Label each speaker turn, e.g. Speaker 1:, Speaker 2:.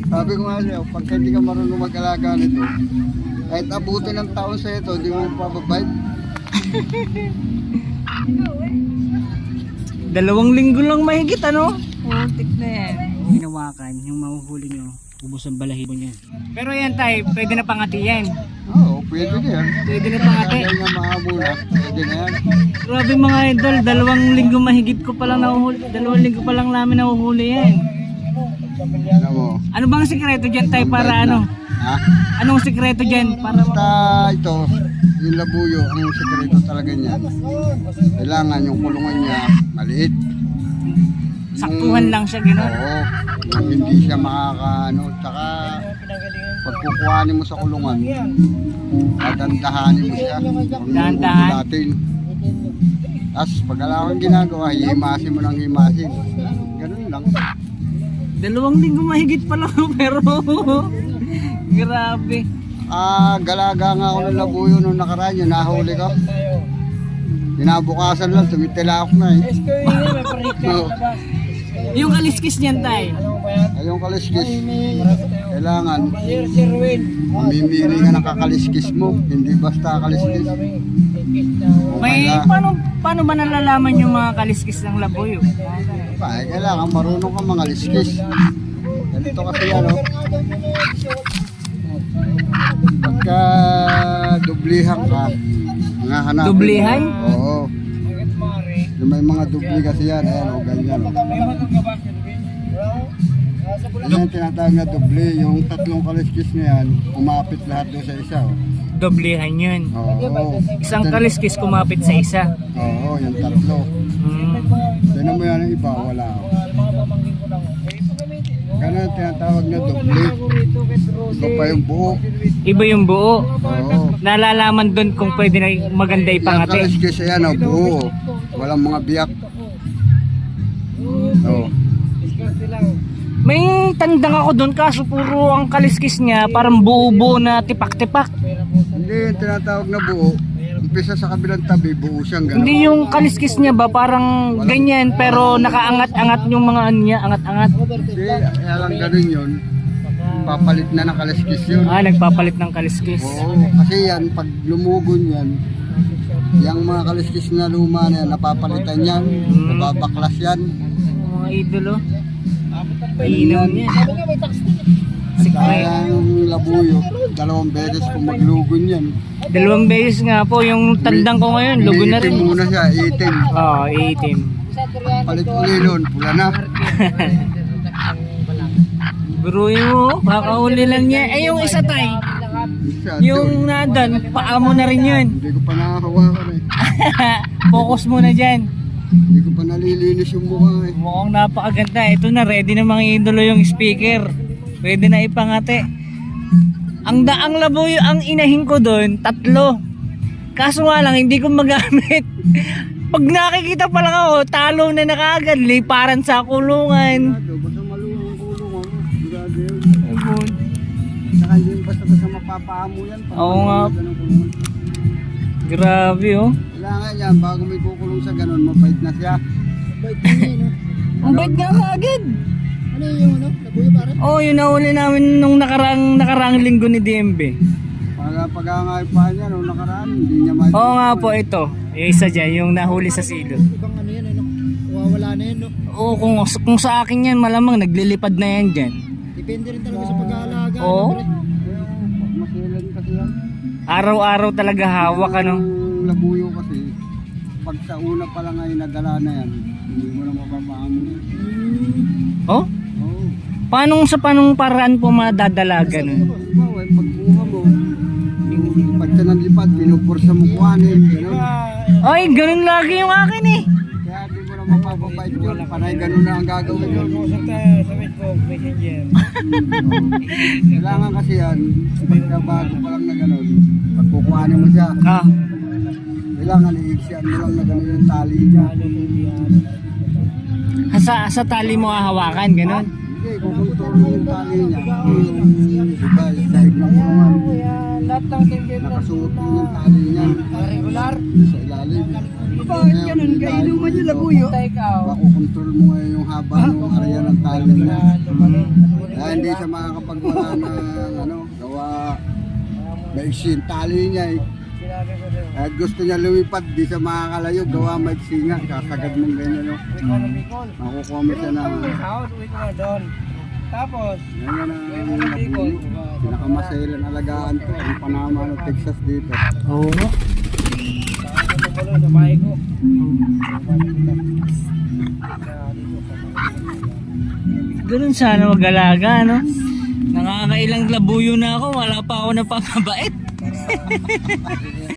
Speaker 1: Sabi ko nga siya, pagka hindi ka marunong mag-alaga nito, kahit abutin ng taon sa ito, hindi mo mapapabait.
Speaker 2: 2 linggo lang mahigit ano? Putik na yan. Hinawakan yung mahuhuli nyo, ubos ang balahibo niya. Pero yan tay, pwede na pangati yan.
Speaker 1: Oo, pwede na yan.
Speaker 2: Pwede na pangati.
Speaker 1: Kaya nga mahabula, pwede na yan.
Speaker 2: Grabe mga idol, 2 linggo mahigit ko palang nahuhuli. 2 linggo pa lang namin nahuhuli yan.
Speaker 1: Ano mo?
Speaker 2: Ano bang sikreto dyan tay para ano?
Speaker 1: Ha?
Speaker 2: Anong sikreto dyan? Para
Speaker 1: Basta ito, yung labuyo, ang sekreto talaga niyan. Kailangan yung kulungan niya maliit.
Speaker 2: saktuhan lang siya gano'n.
Speaker 1: Oo, yung hindi siya makakaano. Tsaka pag kukuhanin mo sa kulungan, dadandahanin mo siya.
Speaker 2: Dahan-dahan.
Speaker 1: Natin. Tapos pag alam kang ginagawa, himasin mo ng himasin. Ganun lang.
Speaker 2: 2 linggo mahigit pa lang pero grabe.
Speaker 1: Galaga nga ako ng labuyo nung nakaraan yun, nahuli ko. Kinabukasan lang, tumitila ako na eh. So,
Speaker 2: Yung kaliskis niyan tay.
Speaker 1: ayong kaliskis, kailangan mamimili ka ng kakaliskis mo, hindi basta kaliskis.
Speaker 2: May paano ba nalalaman yung mga kaliskis ng labuyo?
Speaker 1: Kailangan marunong ka mga liskis. Ganito kasi yan, oh. Pagka dublihan ka, mga hanapin.
Speaker 2: Dublihan?
Speaker 1: Oo. Yung may mga dubli kasi yan, ayan, o, ganyan. Oh. Yan yung tinatawag na dubli, yung 3 kaliskis na yan, umapit lahat doon sa isa. Oh.
Speaker 2: Doblehan yun.
Speaker 1: Oo.
Speaker 2: Isang kaliskis kumapit sa isa.
Speaker 1: Oo, yung 3. Tignan mo yan, ang iba, wala. Oh. Ganun ang tinatawag na dubli. Iba pa yung buo.
Speaker 2: Iba yung buo.
Speaker 1: Oo.
Speaker 2: Nalalaman doon kung pwede na maganda
Speaker 1: Yung
Speaker 2: ipangati.
Speaker 1: kaliskis yan, oh, buo. Walang mga biyak. Oo.
Speaker 2: May tandang ako doon kaso puro ang kaliskis niya parang buo-buo na tipak-tipak.
Speaker 1: Hindi yung tinatawag na buo. Umpisa sa kabilang tabi, buo siyang gano'n.
Speaker 2: Hindi yung kaliskis niya ba parang ganyan pero nakaangat-angat yung mga ano niya, angat-angat.
Speaker 1: Hindi, kaya lang gano'n yun. Papalit na ng kaliskis yun.
Speaker 2: Nagpapalit ng kaliskis.
Speaker 1: Oo, kasi yan, pag lumugon yan, yung mga kaliskis na luma na yan, napapalitan yan, nababaklas yan.
Speaker 2: Mga idolo. Ilaw niya.
Speaker 1: Kaya yung labuyo, 2 beses kung maglugon yan.
Speaker 2: 2 beses nga po yung tandang ko ngayon, lugo na rin.
Speaker 1: Iitim muna siya, itim.
Speaker 2: Oo, iitim.
Speaker 1: Palit uli nun, pula na.
Speaker 2: Buruin mo, kakahuli lang niya. Yung isa tay, yung nadan, paa mo na rin yun.
Speaker 1: Hindi ko pa nakahawakan eh.
Speaker 2: Focus mo na dyan.
Speaker 1: Hindi ko pa nalilinis yung mukha eh.
Speaker 2: Mukhang napakaganda. Ito na, ready na mga idolo yung speaker. Pwede na ipangate. Ang daang labuyo, ang inahin ko doon, 3. Kaso nga lang, hindi ko magamit. Pag nakikita pa lang ako, talo na nakagad, liparan sa kulungan.
Speaker 1: Basta malunong kulungan mo. Grabe yun. Saka hindi basta mapapaamo yan.
Speaker 2: Oo nga. Grabe oh.
Speaker 1: Kailangan yan, bago may kukulong sa ganun, mabait na siya. Mabait na yun, no?
Speaker 2: Ang bait nga kaagad.
Speaker 1: Ano yung ano? Labuyo para?
Speaker 2: Oo, yun nahuli namin nung nakaraang linggo ni DMB.
Speaker 1: Pag-angaypahan niya, nung nakaraan, hindi niya may...
Speaker 2: Oo nga po ito. Yung isa dyan, yung nahuli sa silo.
Speaker 1: Ibang ano yan, ano? Wawala na yan, no?
Speaker 2: Oo, kung sa akin yan, malamang naglilipad na yan dyan.
Speaker 1: Depende rin talaga sa pag-aalaga.
Speaker 2: Oo.
Speaker 1: Masilan kasi yan.
Speaker 2: Araw-araw talaga hawak ano.
Speaker 1: Yung labuyo kasi, pag sa una pa lang ay nadala na yan, hindi mo na mapapaamo yan.
Speaker 2: Oh?
Speaker 1: Oo.
Speaker 2: Paanong paraan po madadala ganun?
Speaker 1: Bawa, pagkuha mo, yung pag siya ng lipad, pinupursa mo kuhanin, gano'n.
Speaker 2: Ay, ganun lagi yung akin eh.
Speaker 1: Kaya di mo na mapapabait yun, panay gano'n na ang gagawin yun. Kailangan kasi yan, pagka bago pa lang na gano'n, pag kukuhanin mo siya, kailangan i-iksian mo lang na gano'n yung tali niya.
Speaker 2: Sa tali mo hahawakan, ganun.
Speaker 1: Hindi, kukontrol mo yung tali niya. Diba, sahig ng kulungan. Nakasuot mo yung tali niya. Regular? Sa ilalim.
Speaker 3: Bakit ganun? Kainuman yung labuyo?
Speaker 1: Makukontrol mo ngayon yung haba ng area ng tali niya. Kaya hindi siya makakapagwala ng ano, gawa maiksi yung tali niya eh. At gusto niya lumipad, di siya makakalayo, gawa maiksi nga, sasagad mong ganyan no. Makukuha mo siya ng
Speaker 3: Tapos,
Speaker 1: ganyan ang nabulo. Pinakamasailan alagaan to, ang Panama ng Texas dito.
Speaker 2: Oo nga.
Speaker 3: sa bahay ko.
Speaker 2: Ganun sana mag-alaga, no? Nakakailang labuyo na ako, wala pa ako napapabait.